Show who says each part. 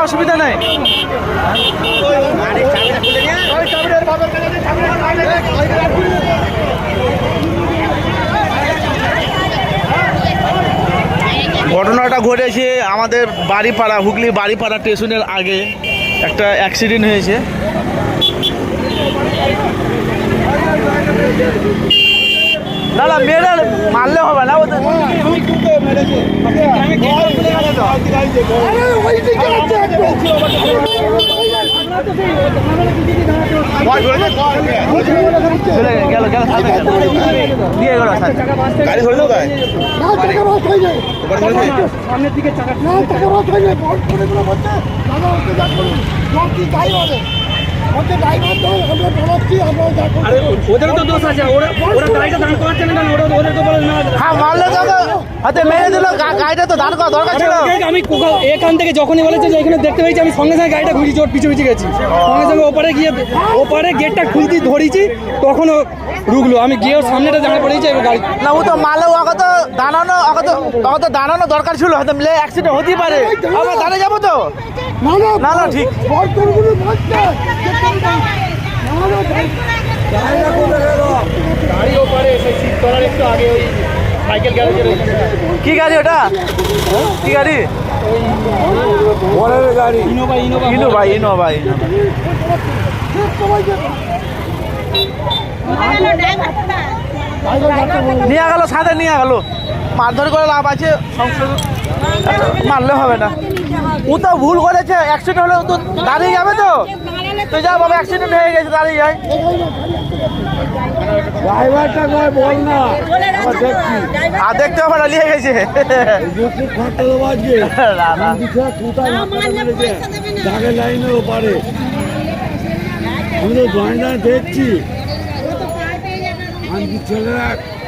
Speaker 1: অসুবিধা নাই। ঘটনাটা ঘটেছে আমাদের বাড়িপাড়া, হুগলি বাড়িপাড়া স্টেশনের আগে একটা অ্যাক্সিডেন্ট হয়েছে। না না মেয়েরা মারলে হবে না, গেল গেল দিয়ে গেল গাড়ি ধরে দেয় সামনের দিকে ওদের তো দোষ আছে, ওরা গাড়িটা দাঁড় করাচ্ছে না, ওদের তো হ্যাঁ মারলে হাতে মেরে দিল, গাড়িটা তো দাঁড় করা দরকার ছিল। আমি এখান থেকে যখনই বলেছে যে এখানে দেখতে পেয়েছি, আমি সঙ্গে সঙ্গে গাড়িটা ঘুরি, জোর পিছু পিছু গেছি, সঙ্গে সঙ্গে ওপারে গেটটা খুলতে ধরেছি, তখন ও রুকলো, আমি গিয়ে সামনেটা দাঁড়া পড়েছি গাড়ি। না ও তো মারলে ওকে তো দাঁড়ানো দরকার ছিল, হয়তো মিলে অ্যাক্সিডেন্ট হতেই পারে। আবার দাঁড়িয়ে যাবো তো না না ঠিক কি গাড়ি ওটা, কি গাড়ি? ইনোভা। নিয়ে গেল সাথে, নিয়ে গেল, মারধর করে লাভ আছে, মারলে হবে না। ও তো ভুল করেছে, অ্যাক্সিডেন্ট হলে তো দাঁড়িয়ে যাবে তো, তো যা বাবা অ্যাক্সিডেন্ট হয়ে গেছে, দাঁড়িয়ে যায়। আর দেখতে হবে না, নিয়ে গেছে
Speaker 2: দেখছি ছেলেরা